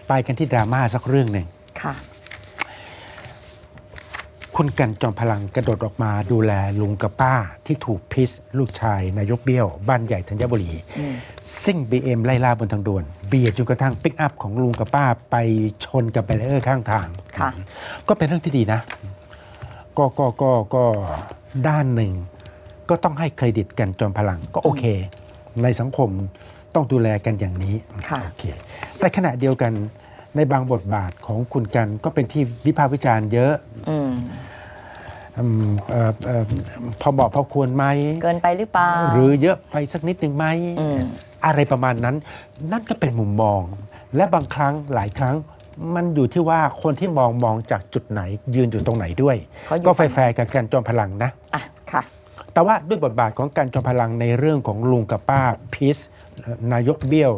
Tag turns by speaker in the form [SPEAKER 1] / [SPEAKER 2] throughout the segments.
[SPEAKER 1] ไปกันที่ดราม่าสักเรื่องหนึ่ง
[SPEAKER 2] ค่ะ
[SPEAKER 1] คุณกันจอมพลังกระโดดออกมาดูแลลุงกับป้าที่ถูกพิษลูกชายนายกเบี้ยวบ้านใหญ่ธัญบุรีซิ่ง BM ไล่ล่าบนทางด่วนเบียดจนกระทั่งปิกอัพของลุงกับป้าไปชนกับแบรีเออร์ข้างทางก็เป็นเรื่องที่ดีนะก็ด้านหนึ่งก็ต้องให้เครดิตกันจอมพลังก็โอเคในสังคมต้องดูแลกันอย่างนี้โอเคแต่ขณะเดียวกันในบางบทบาทของคุณกันก็เป็นที่วิพากษ์วิจารณ์เยอะพอบอกพอควรไหม
[SPEAKER 2] เกินไปหรือเปล่า
[SPEAKER 1] หรือเยอะไปสักนิดหนึ่งไหมอะไรประมาณนั้นนั่นก็เป็นมุมมองและบางครั้งหลายครั้งมันอยู่ที่ว่าคนที่มองจากจุดไหนยืนอยู่ตรงไหนด้วยก็แฟร์กับกันจอมพลังนะ
[SPEAKER 2] ค่ะ
[SPEAKER 1] แต่ว่าด้วยบทบาทของกันจอมพลังในเรื่องของลุงกับป้าพีชนายกเบี้ยว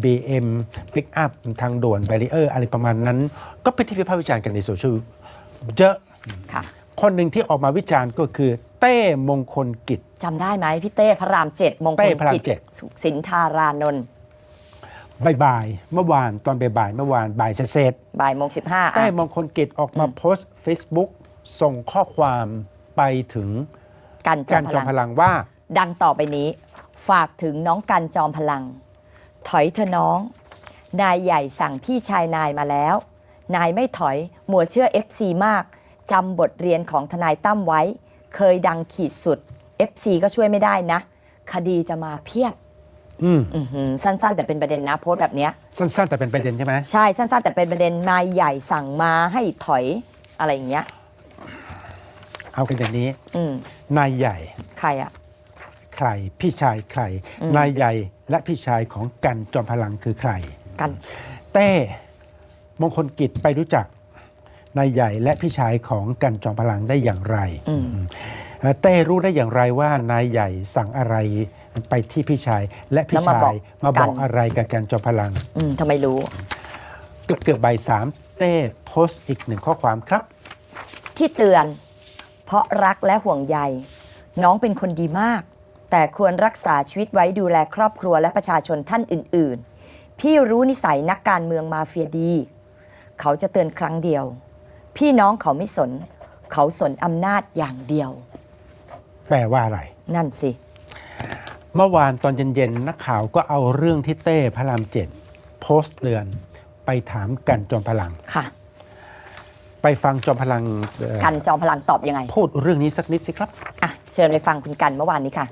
[SPEAKER 1] BM ปิกอัพทางด่วนแบรีเออร์อะไรประมาณนั้นก็เป็นที่วิพากษ์วิจารณ์กันในโซเชียลเยอะคนหนึ่งที่ออกมาวิจารณ์ก็คือเต้มงคลกิจ
[SPEAKER 2] จำได้ไหมพี่เต้พระราม7มงคลกิจสุขสินธารานนท์
[SPEAKER 1] บ่ายเมื่อวานตอนบ่ายเมื่อวานบ่ายเสร็จ
[SPEAKER 2] บ่ายโมง15
[SPEAKER 1] เต้มงคลกิจออกมาโพสต์ Facebook ส่งข้อความไปถึง
[SPEAKER 2] กันจอมพลัง
[SPEAKER 1] ว่า
[SPEAKER 2] ดังต่อไปนี้ฝากถึงน้องกันจอมพลังถอยเถอะน้องนายใหญ่สั่งพี่ชายนายมาแล้วนายไม่ถอยมัวเชื่อ FC มากจำบทเรียนของทนายตั้มไว้เคยดังขีดสุด FC ก็ช่วยไม่ได้นะคดีจะมาเพียบสั้นๆแต่เป็นประเด็นนะโพสต์แบบนี้
[SPEAKER 1] สั้นๆแต่เป็นประเด็นใช่ไหม
[SPEAKER 2] ใช่สั้นๆแต่เป็นประเด็นนายใหญ่สั่งมาให้ถอยอะไรอย่างเงี้ย
[SPEAKER 1] เอากันอย่างนี้นายใหญ่
[SPEAKER 2] ใครอะ
[SPEAKER 1] ใครพี่ชายใครนายใหญ่และพี่ชายของกันจอมพลังคือใคร
[SPEAKER 2] กัน
[SPEAKER 1] เต้มงคลกิจไปรู้จักนายใหญ่และพี่ชายของกันจอมพลังได้อย่างไรเต้รู้ได้อย่างไรว่านายใหญ่สั่งอะไรไปที่พี่ชายและพี่ชายมาบอกอะไรกับกันจอมพลัง
[SPEAKER 2] ทำไมรู้
[SPEAKER 1] เกือบบ่าย3เต้โพสต์อีก1ข้อความครับ
[SPEAKER 2] ที่เตือนเพราะรักและห่วงใยน้องเป็นคนดีมากแต่ควรรักษาชีวิตไว้ดูแลครอบครัวและประชาชนท่านอื่นๆพี่รู้นิสัยนักการเมืองมาเฟียดีเขาจะเตือนครั้งเดียวพี่น้องเขาไม่สนเขาสนอำนาจอย่างเดียว
[SPEAKER 1] แปลว่าอะไร
[SPEAKER 2] นั่นสิ
[SPEAKER 1] เมื่อวานตอนเย็นๆนักข่าวก็เอาเรื่องที่เต้พระราม7โพสต์เตือนไปถามกันจอมพลัง
[SPEAKER 2] ค่ะ
[SPEAKER 1] ไปฟังจอมพลัง
[SPEAKER 2] กันจอมพลังตอบยังไง
[SPEAKER 1] พูดเรื่องนี้สักนิดสิครับ
[SPEAKER 2] เชิญไปฟังคุณกันเมื่อวานนี้ค่ะ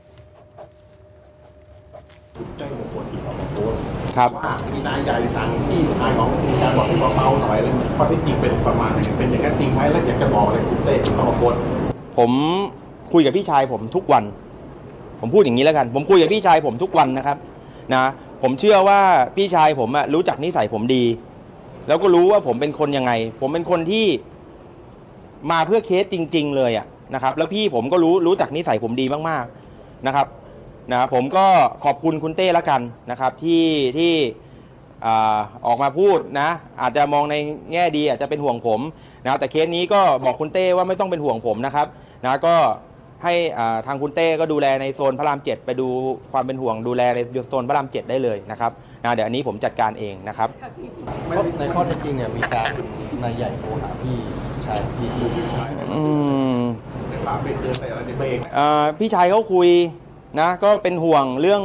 [SPEAKER 3] ครับมีนายใหญ่สั่งที่นายของการบอกให้เบาๆหน่อยอะไรข้อที่จริงเป็นประมาณไหนเป็นอย่างนั้นจริงไหมแล้วอยากจะบอกอะไรคุณเต้ที่เข้ามาโพส
[SPEAKER 4] ผมคุยกับพี่ชายผมทุกวันผมพูดอย่างนี้แล้วกันผมคุยกับพี่ชายผมทุกวันนะครับนะผมเชื่อว่าพี่ชายผมรู้จักนิสัยผมดีแล้วก็รู้ว่าผมเป็นคนยังไงผมเป็นคนที่มาเพื่อเคสจริงๆเลยนะครับแล้วพี่ผมก็รู้จักนิสัยผมดีมากๆนะครับผมก็ขอบคุณคุณเต้ละกันนะครับที่ออกมาพูดนะอาจจะมองในแง่ดีอาจจะเป็นห่วงผมนะแต่เคสนี้ก็บอกคุณเต้ว่าไม่ต้องเป็นห่วงผมนะครับนะก็ให้ทางคุณเต้ก็ดูแลในโซนพระราม7ไปดูความเป็นห่วงดูแลในโซนพระราม7ได้เลยนะครับเดี๋ยวอันนี้ผมจัดการเองนะครับ
[SPEAKER 3] ในข้อเท็จจริงเนี่ยมีการนายใหญ่โทรหาพี่ชายพี่ชายในปากไปเตือนไปอะไรในเบรก
[SPEAKER 4] พี่ชายเขาคุยนะก็เป็นห่วงเรื่อง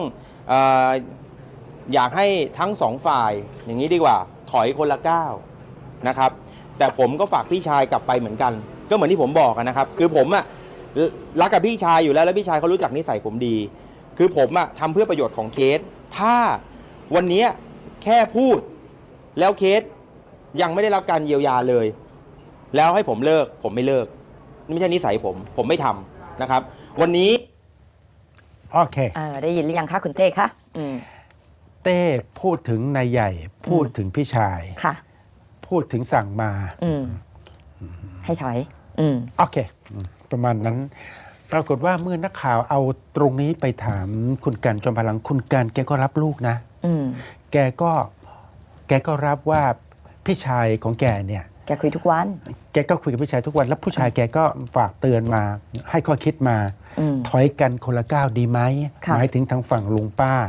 [SPEAKER 4] อยากให้ทั้งสองฝ่ายอย่างนี้ดีกว่าถอยคนละก้าวนะครับแต่ผมก็ฝากพี่ชายกลับไปเหมือนกันก็เหมือนที่ผมบอกนะครับคือผมรักกับพี่ชายอยู่แล้วพี่ชายเขารู้จักนิสัยผมดีคือผมทำเพื่อประโยชน์ของเคสถ้าวันนี้แค่พูดแล้วเคสยังไม่ได้รับการเยียวยาเลยแล้วให้ผมเลิกผมไม่เลิกไม่ใช่นิสัยผมไม่ทำนะครับวันนี้
[SPEAKER 1] โอเค
[SPEAKER 2] ได้ยินหรือยังคะคุณเต้คะ
[SPEAKER 1] เต้พูดถึงนายใหญ่พูดถึงพี่ชาย
[SPEAKER 2] ค่ะ
[SPEAKER 1] พูดถึงสั่งมา
[SPEAKER 2] ให้ถอย
[SPEAKER 1] โอเคประมาณนั้นปรากฏว่าเมื่อนักข่าวเอาตรงนี้ไปถามคุณกันจอมพลังคุณกันแกก็รับลูกนะแกก็รับว่าพี่ชายของแกเนี่ย
[SPEAKER 2] แกคุยทุกวัน
[SPEAKER 1] แกก็คุยกับพี่ชายทุกวันแล้วผู้ชายแกก็ฝากเตือนมาให้ข้อคิดมาถอยกันคนละก้าวดีไหมหมายถึงทางฝั่งลุงป้า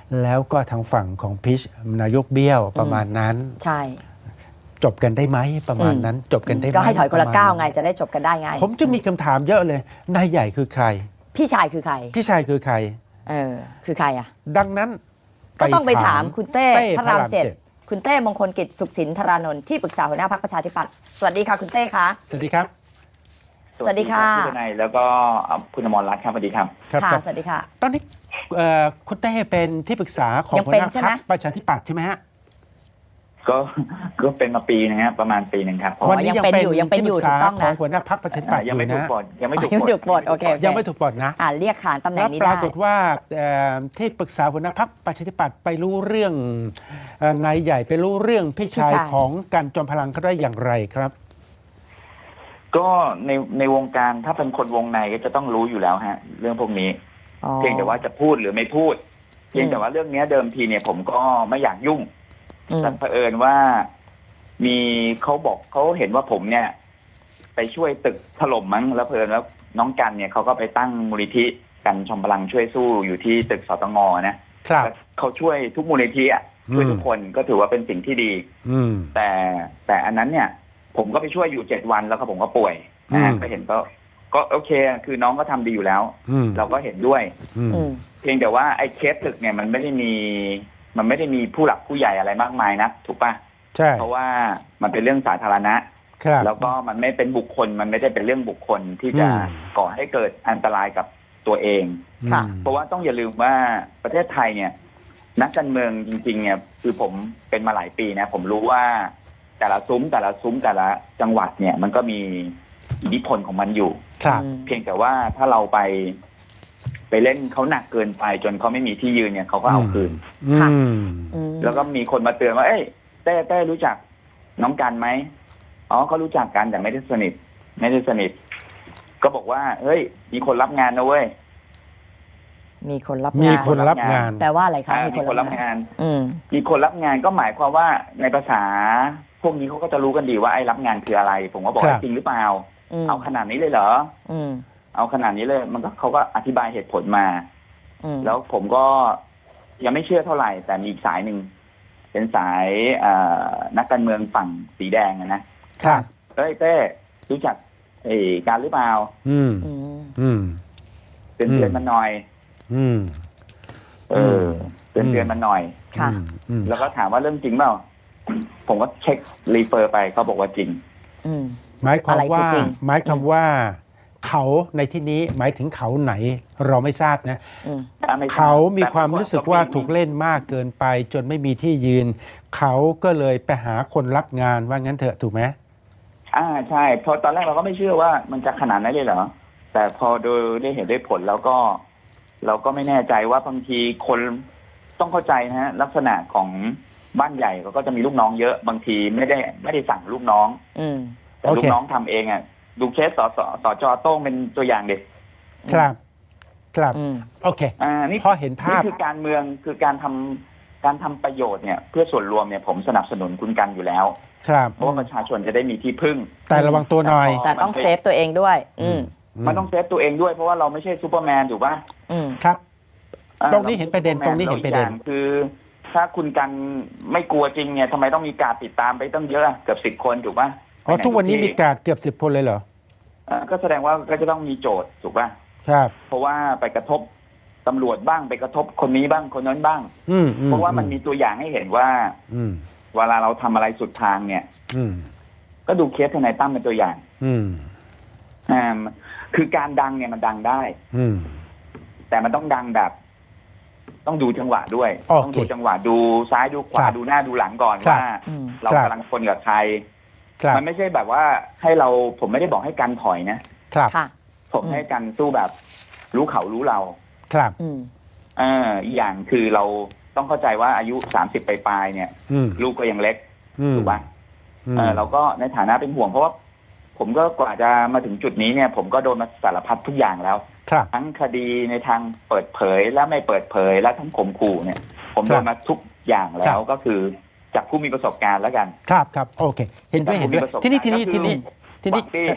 [SPEAKER 1] แล้วก็ทางฝั่งของพิชนายกเบี้ยวประมาณนั้น
[SPEAKER 2] ใช่
[SPEAKER 1] จบกันได้ไหมประมาณนั้น จบกันได้ไหม
[SPEAKER 2] ก็ให้ถอยคนละ
[SPEAKER 1] ปรมณ
[SPEAKER 2] ก้าวไงจะได้จบกันได้ไง
[SPEAKER 1] ผมจะมีคำถามเยอะเลยนายใหญ่คือใคร
[SPEAKER 2] พี่ชายคือใคร
[SPEAKER 1] พี่ชายคือใคร
[SPEAKER 2] คือใครอ่ะ
[SPEAKER 1] ดังนั้น
[SPEAKER 2] ก็ต้องไปถามคุณเต้พระรามเจ็ด
[SPEAKER 1] เจ็ด
[SPEAKER 2] คุณเต้มงคลกิจสุขสินธารานนท์ที่ปรึกษาหัวหน้าพรรคประชาธิปัตย์สวัสดีค่ะคุณเต้คะ
[SPEAKER 1] สวัสดีครับ
[SPEAKER 2] สวัสดีค่ะ
[SPEAKER 5] พี่ทนายแล้วก็คุณอมรรัตน์ครับสวัสดีครับ
[SPEAKER 1] ครับ
[SPEAKER 2] ค่ะ
[SPEAKER 1] ครับ
[SPEAKER 2] สวัสดีค่ะ
[SPEAKER 1] ตอนนี้คุณเต้เป็นที่ปรึกษาของ
[SPEAKER 2] ยัง
[SPEAKER 1] หัว
[SPEAKER 2] เป็น
[SPEAKER 1] หน้า
[SPEAKER 2] ใช่ไห
[SPEAKER 1] พ
[SPEAKER 2] ม
[SPEAKER 1] รรคประชาธิปัตย์ใช่ไหมฮะ
[SPEAKER 5] ก็เป็นมาปีนึงครับประมาณปีหนึ่งครับ
[SPEAKER 2] อ๋อ
[SPEAKER 1] วันนี้
[SPEAKER 2] ยังเป็นอยู่ยังเป็นอยู่
[SPEAKER 1] ที่ปรึกษา
[SPEAKER 2] ถูกต้องนะ
[SPEAKER 1] ของหัวหน้าพรรคประชาธิปัตย์อ
[SPEAKER 5] ยัง
[SPEAKER 1] ยู่
[SPEAKER 5] ไม่ถูก
[SPEAKER 1] นะ
[SPEAKER 5] ปลดยังไม่ถูก
[SPEAKER 2] ยังไม่ถูกปลดโอเค
[SPEAKER 1] ยังไม่ถูกปลดนะ
[SPEAKER 2] เรียกขานตำแหน่
[SPEAKER 1] แล้
[SPEAKER 2] ง
[SPEAKER 1] ว
[SPEAKER 2] นี้
[SPEAKER 1] ป
[SPEAKER 2] ได้
[SPEAKER 1] รากฏว่าที่ปรึกษาหัวหน้าพรรคประชาธิปัตย์ไปรู้เรื่องนายใหญ่ไปรู้เรื่องพี่ชายของกันจอมพลังเขาได้อย่างไรครับ
[SPEAKER 5] ก็ในวงการถ้าเป็นคนวงในก็จะต้องรู้อยู่แล้วฮะ เรื่องพวกนี้
[SPEAKER 2] อ๋อ
[SPEAKER 5] เพียงแต่ว่าจะพูดหรือไม่พูด เพียงแต่ว่าเรื่องนี้เดิมทีเนี่ยผมก็ไม่อยากยุ่ง
[SPEAKER 2] อืม
[SPEAKER 5] แต่เผอิญว่ามีเขาเห็นว่าผมเนี่ย ไปช่วยตึกถล่มมั้งแล้วเผอิญแล้วน้องกันเนี่ยเขาก็ไปตั้งมูลนิธิกันชมพลังช่วยสู้อยู่ที่ตึกสตงนะครับ แล้วเขาช่วยทุกมูลนิธิอ่ะช่วยทุกคนก็ถือว่าเป็นสิ่งที่ดี
[SPEAKER 1] อืม
[SPEAKER 5] แต่อันนั้นเนี่ย ผมก็ไปช่วยอยู่7 วันแล้วก็ผมก็ป่วยนะฮะ
[SPEAKER 1] อืม
[SPEAKER 5] ก็เห็นก็โอเค คือน้องก็ทำดีอยู่แล้ว
[SPEAKER 1] อืม
[SPEAKER 5] เราก็เห็นด้วย
[SPEAKER 1] อืม
[SPEAKER 2] อืม
[SPEAKER 5] เพียงแต่ว่าไอ้เคสตึกเนี่ยมันไม่ได้มีผู้หลักผู้ใหญ่อะไรมากมายนะถูกปะ
[SPEAKER 1] ใช่
[SPEAKER 5] เพราะว่ามันเป็นเรื่องสาธารณะ
[SPEAKER 1] ครับ
[SPEAKER 5] แล้วก็มันไม่เป็นบุคคลมันไม่ได้เป็นเรื่องบุคคลที่จะ
[SPEAKER 1] อืม
[SPEAKER 5] ก่อให้เกิดอันตรายกับตัวเอง
[SPEAKER 2] ค่ะ
[SPEAKER 1] อืม
[SPEAKER 5] เพราะว่าต้องอย่าลืมว่าประเทศไทยเนี่ย นักการเมืองจริงๆเนี่ยคือผมเป็นมาหลายปีนะผมรู้ว่าแต่ละซุ้มแต่ละจังหวัดเนี่ย มันก็มีอิทธิพลของมันอยู่
[SPEAKER 1] ครับ
[SPEAKER 5] เพียงแต่ว่าถ้าเราไปเล่นเขาหนักเกินไปจนเขาไม่มีที่ยืนเนี่ยเขาก็เอาคืน
[SPEAKER 2] ค่ะ
[SPEAKER 1] อืม
[SPEAKER 2] อืม
[SPEAKER 5] แล้วก็มีคนมาเตือนว่าเอ้ยเต้รู้จักน้องกันไหมอ๋อเขารู้จักกันแต่ไม่ได้สนิท ก็บอกว่าเฮ้ยมีคนรับงานนะเว้ย
[SPEAKER 2] มีคนรับ
[SPEAKER 1] มี
[SPEAKER 2] งาน
[SPEAKER 1] คนรับงาน
[SPEAKER 2] แปลว่าอะไรคะ
[SPEAKER 5] มีคนรับงาน
[SPEAKER 2] อืม
[SPEAKER 5] มีคนรับงานก็หมายความว่าในภาษาพวกนี้เขาก็จะรู้กันดีว่าไอ้รับงานคืออะไร ผมก็บอก
[SPEAKER 1] ครับ
[SPEAKER 5] ว่าจริงหรือเปล่า
[SPEAKER 2] อืม
[SPEAKER 5] เอาขนาดนี้เลยเหรอ
[SPEAKER 2] อืม
[SPEAKER 5] เอาขนาดนี้เลยมันก็เขาก็อธิบายเหตุผลมา
[SPEAKER 2] อืม
[SPEAKER 5] แล้วผมก็ยังไม่เชื่อเท่าไหร่ แต่มีอีกสายหนึ่งเป็นสายนักการเมืองฝั่งสีแดงนะครับ เต้รู้จักการหรือเปล่า
[SPEAKER 1] อืม
[SPEAKER 2] อืม
[SPEAKER 1] อืม
[SPEAKER 5] เตือนมันหน่อย
[SPEAKER 1] อืม
[SPEAKER 5] เตือนมันหน่อย
[SPEAKER 2] ค่ะ
[SPEAKER 1] อืม
[SPEAKER 5] แล้วก็ถามว่าเรื่องจริงเปล่า ผมก็เช็ครีเฟอร์ไปเขาบอกว่าจริง
[SPEAKER 2] อืม
[SPEAKER 1] หมายความ
[SPEAKER 2] อะไรคือ
[SPEAKER 1] ว่า
[SPEAKER 2] จริง
[SPEAKER 1] หมายความว่า เขาในที่นี้หมายถึงเขาไหนเราไม่ทราบนะ
[SPEAKER 2] อืม
[SPEAKER 1] เขามีความรู้สึกว่าถูกเล่นมากเกินไป จนไม่มีที่ยืน เขาก็เลยไปหาคนรับงานว่างั้นเถอะถูกไหม
[SPEAKER 5] ใช่เพราะตอนแรกเราก็ไม่เชื่อว่ามันจะขนาดนั้นเลยเหรอ แต่พอโดยได้เห็นได้ผลแล้วก็ เราก็ไม่แน่ใจว่าบางทีคนต้องเข้าใจนะฮะลักษณะของบ้านใหญ่เขาก็จะมีลูกน้องเยอะบางทีไม่ได้สั่งลูกน้อง
[SPEAKER 2] อืม
[SPEAKER 5] แต่ลูกน้องทำเองอ่ะดูเคสสจโต้งเป็นตัวอย่างเด็ก
[SPEAKER 1] ครับ ครับ
[SPEAKER 2] อืม
[SPEAKER 1] โอเค
[SPEAKER 5] นี่
[SPEAKER 1] พอเห็นภาพ
[SPEAKER 5] นี่คือการเมืองคือการทำประโยชน์เนี่ย เพื่อส่วนรวมเนี่ยผมสนับสนุนคุณกันอยู่แล้ว
[SPEAKER 1] ครับ
[SPEAKER 5] เพราะว่าประชาชนจะได้มีที่พึ่ง
[SPEAKER 1] แต่ระวังตัวหน่อย
[SPEAKER 2] แต่ต้องเซฟตัวเองด้วย อืม
[SPEAKER 5] มันต้องเซฟตัวเองด้วยเพราะว่าเราไม่ใช่ซูเปอร์แมนถูกป่ะ
[SPEAKER 2] อืม
[SPEAKER 1] ครับ
[SPEAKER 5] อ่า
[SPEAKER 1] ตรงนี้เห็นประเด็น
[SPEAKER 5] ซู
[SPEAKER 1] ตรงนี้เห็นประเด็น
[SPEAKER 5] แล้วอีกอย่างคือ ถ้าคุณกันไม่กลัวจริงเนี่ยทำไมต้องมีการติดตามไปตั้งเยอะเกือบ10 คนถูกป่ะ
[SPEAKER 1] อ๋อทุกวันนี้มีการเกือบ10 คนเลยเหรอ
[SPEAKER 5] ก็แสดงว่าก็จะต้องมีโจทย์ถูกป่ะ
[SPEAKER 1] ครับ
[SPEAKER 5] เพราะว่าไปกระทบตำรวจบ้างไปกระทบคนนี้บ้างคนนั้นบ้าง
[SPEAKER 1] อืม
[SPEAKER 5] เพราะว่ามันมีตัวอย่างให้เห็นว่า
[SPEAKER 1] อืม
[SPEAKER 5] เวลาเราทำอะไรสุดทางเนี่ย
[SPEAKER 1] อืม
[SPEAKER 5] ก็ดูเคสทนายตั้มเป็นตัวอย่าง
[SPEAKER 1] อืม
[SPEAKER 5] คือการดังเนี่ยมันดังได้
[SPEAKER 1] อืม
[SPEAKER 5] แต่มันต้องดังแบบ ต้องดูจังหวะด้วย
[SPEAKER 1] โอเค
[SPEAKER 5] ต้องดูจังหวะดูซ้ายดูขวา
[SPEAKER 1] ครับ
[SPEAKER 5] ดูหน้าดูหลังก่อน
[SPEAKER 1] ครับ
[SPEAKER 5] ว่า
[SPEAKER 2] อืม
[SPEAKER 5] เรา
[SPEAKER 1] ครับ
[SPEAKER 5] กำลังคนกับใคร
[SPEAKER 1] ครับ
[SPEAKER 5] มันไม่ใช่แบบว่าให้เราผมไม่ได้บอกให้กันถอยนะครับ
[SPEAKER 2] ค่ะ
[SPEAKER 5] ผมให้กันสู้แบบ รู้เขารู้เรา
[SPEAKER 1] ครับ
[SPEAKER 2] อืม
[SPEAKER 5] อีกอย่างคือเราต้องเข้าใจว่าอายุ30ปลายๆเนี่ย
[SPEAKER 1] อืม
[SPEAKER 5] ลูกก็ยังเล็ก
[SPEAKER 1] อืม
[SPEAKER 5] ถูกปะ
[SPEAKER 1] อืม
[SPEAKER 5] เราก็ในฐานะเป็นห่วงเพราะว่าผมก็กว่าจะมาถึงจุดนี้เนี่ย ผมก็โดนมาสารพัดทุกอย่างแล้ว
[SPEAKER 1] ครับ
[SPEAKER 5] ทั้งคดีในทางเปิดเผยและไม่เปิดเผยและทั้งข่มขู่เนี่ย ผม
[SPEAKER 1] ครับ
[SPEAKER 5] โดนมาทุกอย่างแล้
[SPEAKER 1] ครั
[SPEAKER 5] ว
[SPEAKER 1] บ
[SPEAKER 5] ก็คือจากผู้มีประสบการณ์แล้วกัน
[SPEAKER 1] ครับครับโอเค เห็นด้วยเห็นด้วย
[SPEAKER 5] จากผู้มีประสบ
[SPEAKER 1] ทีนี้
[SPEAKER 5] การณ์ก็คือ
[SPEAKER 1] ทีนี้
[SPEAKER 5] หวังดี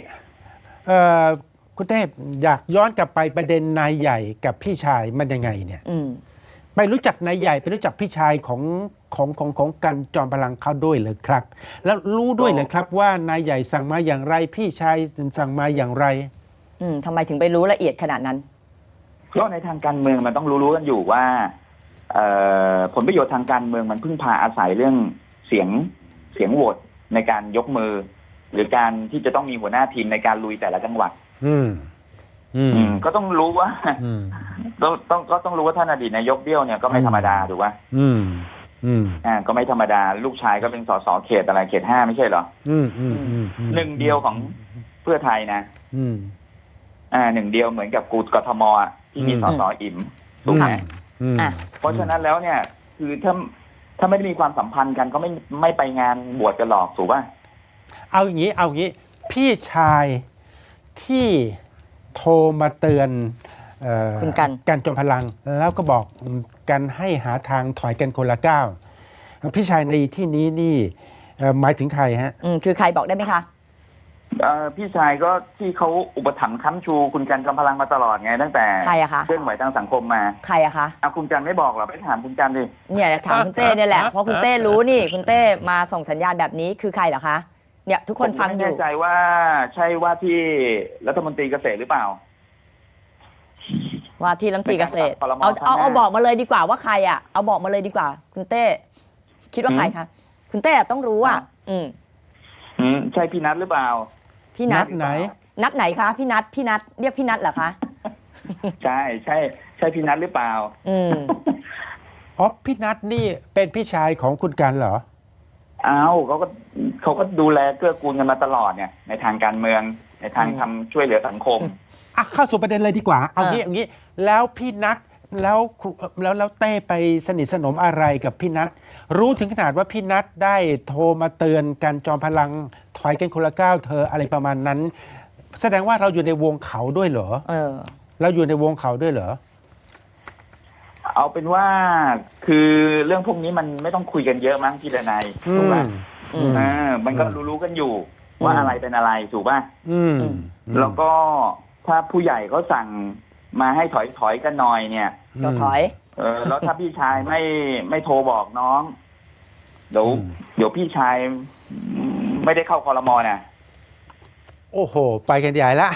[SPEAKER 1] คุณเทพอยากย้อนกลับไปประเด็นนายใหญ่กับพี่ชายมันยังไงเนี่ย
[SPEAKER 2] อืม
[SPEAKER 1] ไปรู้จักนายใหญ่ไปรู้จักพี่ชายของกันจอมพลังเขาด้วยเลยครับ แล้วรู้ด้วยเลยครับว่านายใหญ่สั่งมาอย่างไร พี่ชายสั่งมาอย่างไร
[SPEAKER 2] ทำไมถึงไปรู้ละเอียดขนาดนั้น
[SPEAKER 5] ก็ในทางการเมืองมันต้องรู้กันอยู่ว่าผลประโยชน์ทางการเมืองมันพึ่งพาอาศัยเรื่องเสียงโหวตในการยกมือ หรือการที่จะต้องมีหัวหน้าทีมในการลุยแต่ละจังหวัด ก็ต้องรู้ว่าต้องรู้ว่าท่านอดีตนายกเบี้ยวเนี่ยก็ไม่ธรรมดาถูกป่ะก็ไม่ธรรมดาลูกชายก็เป็นสสเขตอะไรเขต 5ไม่ใช่เหรอหนึ่งเดียวของเพื่อไทยนะหนึ่งเดียวเหมือนกับกทมที่มีสสอิ่มถูกไหมเพราะฉะนั้นแล้วเนี่ยคือถ้าไม่ได้มีความสัมพันธ์กันก็ไม่ไปงานบวชกันหรอกถูกป่ะ
[SPEAKER 1] เอาอย่างนี้พี่ชายที่โทรมาเตือน
[SPEAKER 2] คุณ
[SPEAKER 1] กันจอมพลังแล้วก็บอกกันให้หาทางถอยกันคนละก้าวพี่ชายในที่นี้นี่หมายถึงใครฮะ
[SPEAKER 2] คือใครบอกได้ไหมคะ
[SPEAKER 5] พี่ชายก็ที่เขาอุปถัมภ์ค้ำชูคุณกันจอมพลังมาตลอดไงตั้งแต่
[SPEAKER 2] ใครอะคะ
[SPEAKER 5] เคลื่อนไหวทางสังคมมา
[SPEAKER 2] ใครอะคะ
[SPEAKER 5] คุณกันไม่บอกหรอไปถามคุณกันดิ
[SPEAKER 2] เนี่ยถามคุณเต้เนี่ยแหละเพราะคุณเต้รู้นี่คุณเต้มาส่งสัญญาณแบบนี้คือใครเหรอคะเนี่ยทุกคนฟังอยู่
[SPEAKER 5] ไม่แน่ใจว่าใช่ว่าที่รัฐมนตรีเกษตรหรือเปล่า
[SPEAKER 2] ว่าที่รัฐมนตรีเกษตรเอาบอกมาเลยดีกว่าว่าใครอ่ะเอาบอกมาเลยดีกว่าคุณเต้คิดว่าใครคะคุณเต้ต้องรู้อ่ะ
[SPEAKER 5] ใช่พี่นัทหรือเปล่า
[SPEAKER 2] พี่นัท
[SPEAKER 1] ไหน
[SPEAKER 2] นัทไหนคะพี่นัทเรียกพี่นัทเหรอคะ
[SPEAKER 5] ใช่พี่นัทหรือเปล่า
[SPEAKER 1] พี่นัทนี่เป็นพี่ชายของคุณกันเหรอ
[SPEAKER 5] เขาก็ดูแลเกื้อกูลกันมาตลอดเนี่ยในทางการเมืองในทางทำช่วยเหลือสังคม
[SPEAKER 1] เข้าสู่ประเด็นเลยดีกว่าเอางี้แล้วพี่นัทแล้วเต้ไปสนิทสนมอะไรกับพี่นัทรู้ถึงขนาดว่าพี่นัทได้โทรมาเตือนกันจอมพลังถอยกันคนละก้าวเธออะไรประมาณนั้นแสดงว่าเราอยู่ในวงเขาด้วยเหรอเราอยู่ในวงเขาด้วยเหรอ
[SPEAKER 5] เอาเป็นว่าคือเรื่องพวกนี้มันไม่ต้องคุยกันเยอะมั้งพี่ดนัยถูกป่ะมันก็รู้กันอยู่ว่าอะไรเป็นอะไรถูกป่ะแล้วก็ถ้าผู้ใหญ่เขาสั่งมาให้ถอยกันหน่อยเนี่ย
[SPEAKER 2] ก็ถอย
[SPEAKER 5] แล้วถ้าพี่ชายไม่โทรบอกน้องเดี๋ยวพี่ชายไม่ได้เข้าครม.นะ
[SPEAKER 1] โอ้โหไปกันใหญ่ละ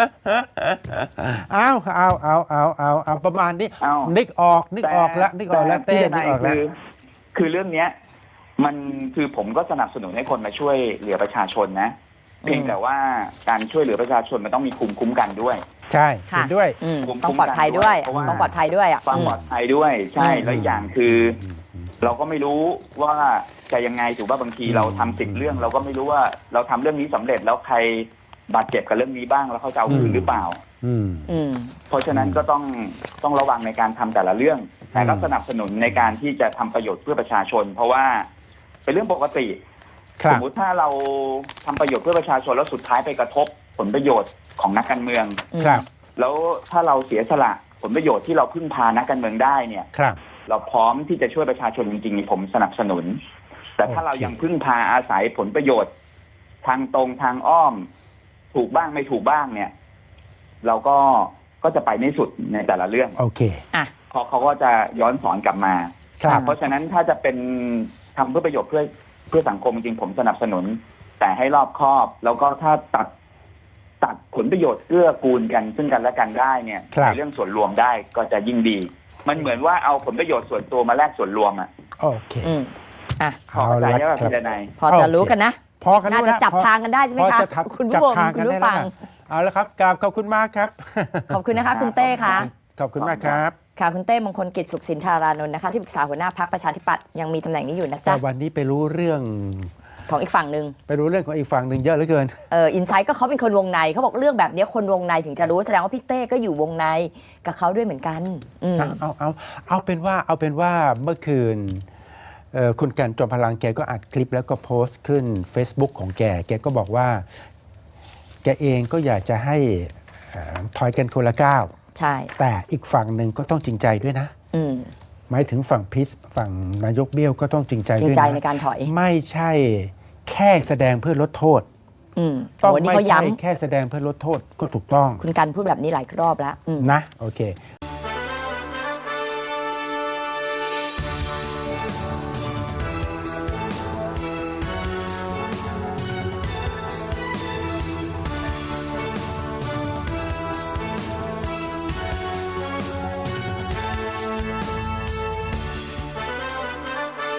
[SPEAKER 1] เอาประมาณนี้นึกออกแล้วเต้นึกออกแล้ว
[SPEAKER 5] คือเรื่องเนี้ยมันคือผมก็สนับสนุนให้คนมาช่วยเหลือประชาชนนะเพียงแต่ว่าการช่วยเหลือประชาชนมันต้องมีภูมิคุ้มกันด้วย
[SPEAKER 1] ใช่เห็นด้วย
[SPEAKER 2] ต้องปลอดภัยด้วยต้องปลอดภัยด้วย
[SPEAKER 5] ความปลอดภัยด้วยใช่แล้วอย่างคือเราก็ไม่รู้ว่าจะยังไงถูกป่ะบางทีเราทำ10 เรื่องเราก็ไม่รู้ว่าเราทำเรื่องนี้สำเร็จแล้วใครบาดเจ็บกับเรื่องนี้บ้างแล้วเขาจะเอาคืนหรือเปล่าเพราะฉะนั้นก็ต้องระวังในการทำแต่ละเรื่องแต่ก็สนับสนุนในการที่จะทำประโยชน์เพื่อประชาชนเพราะว่าเป็นเรื่องปกติสมมติถ้าเราทำประโยชน์เพื่อประชาชนแล้วสุดท้ายไปกระทบผลประโยชน์ของนักการเมืองแล้วถ้าเราเสียสละผลประโยชน์ที่เราพึ่งพานักการเมืองได้เนี่ยเราพร้อมที่จะช่วยประชาชนจริงๆผมสนับสนุนแต่ถ้าเรายังพึ่งพาอาศัยผลประโยชน์ทางตรงทางอ้อมถูกบ้างไม่ถูกบ้างเนี่ยเราก็จะไปไม่สุดในแต่ละเรื่อง
[SPEAKER 1] โอเค
[SPEAKER 5] พอเขาก็จะย้อนสอนกลับมาเพราะฉะนั้นถ้าจะเป็นทำเพื่อประโยชน์เพื่อสังคมจริงผมสนับสนุนแต่ให้รอบคอบแล้วก็ถ้าตัดผลประโยชน์เกื้อกูลกันซึ่งกันและกันได้เนี่ยในเรื่องส่วนรวมได้ก็จะยิ่งดีมันเหมือนว่าเอาผลประโยชน์ส่วนตัวมาแลกส่วนรวม
[SPEAKER 1] โอเค
[SPEAKER 5] พอใจแล้วพี่ดนัย
[SPEAKER 2] พอจะรู้กันนะ
[SPEAKER 1] พอกัน
[SPEAKER 2] น่าจะจับทางกันได้ใช่ไหมคะคุณผู้ชมคุณผู้ฟัง
[SPEAKER 1] เอาละครับกราบขอบคุณมากครับ
[SPEAKER 2] ขอบคุณนะคะคุณเต้ค่ะ
[SPEAKER 1] ขอบคุณมากครับ
[SPEAKER 2] ค่ะคุณเต้มงคลกิจสุขสินธารานนท์นะคะที่ปรึกษาหัวหน้าพรรคประชาธิปัตย์ยังมีตำแหน่งนี้อยู่นะจ๊ะ
[SPEAKER 1] วันนี้ไปรู้เรื่อง
[SPEAKER 2] ของอีกฝั่งหนึ่ง
[SPEAKER 1] ไปรู้เรื่องของอีกฝั่งหนึ่งเยอะเหลือเกิน
[SPEAKER 2] อินไซต์ก็เขาเป็นคนวงในเขาบอกเรื่องแบบนี้คนวงในถึงจะรู้แสดงว่าพี่เต้ก็อยู่วงในกับเขาด้วยเหมือนกัน
[SPEAKER 1] เอาเป็นว่าเมื่อคืนคุณกันจอมพลังแกก็อัดคลิปแล้วก็โพสต์ขึ้น Facebook ของแกก็บอกว่าแกเองก็อยากจะให้ถอยกันคนละก้าว
[SPEAKER 2] ใช่
[SPEAKER 1] แต่อีกฝั่งหนึ่งก็ต้องจริงใจด้วยนะหมายถึงฝั่งพิษฝั่งนายกเบี้ยวก็ต้องจริงใจด้วยนะ
[SPEAKER 2] ในการถอย
[SPEAKER 1] ไม่ใช่แค่แสดงเพื่อลดโทษต้องไม่ใช่แค่แสดงเพื่อลดโทษก็ถูกต้อง
[SPEAKER 2] คุณกันพูดแบบนี้หลายรอบแล้ว
[SPEAKER 1] นะโอเค